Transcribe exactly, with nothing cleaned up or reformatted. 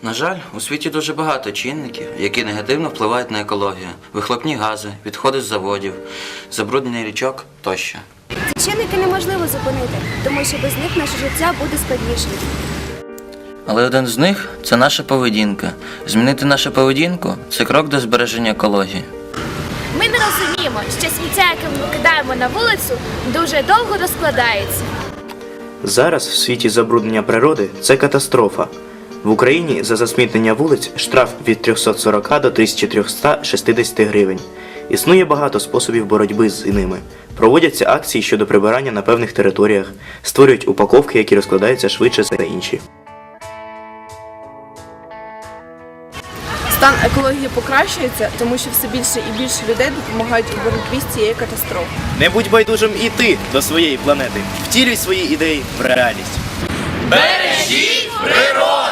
На жаль, у світі дуже багато чинників, які негативно впливають на екологію. Вихлопні гази, відходи з заводів, забруднення річок тощо. Ці чинники неможливо зупинити, тому що без них наше життя буде складнішим. Але один з них – це наша поведінка. Змінити нашу поведінку – це крок до збереження екології. Ми не розуміємо, що сміття, яке ми викидаємо на вулицю, дуже довго розкладається. Зараз в світі забруднення природи – це катастрофа. В Україні за засмітнення вулиць штраф від трьохсот сорока до тисячі трьохсот шістдесяти гривень. Існує багато способів боротьби з ними. Проводяться акції щодо прибирання на певних територіях, створюють упаковки, які розкладаються швидше за інші. Стан екології покращується, тому що все більше і більше людей допомагають у боротьбі з цією катастрофою. Не будь байдужим і ти до своєї планети. Втілюй свої ідеї в реальність. Бережіть природу!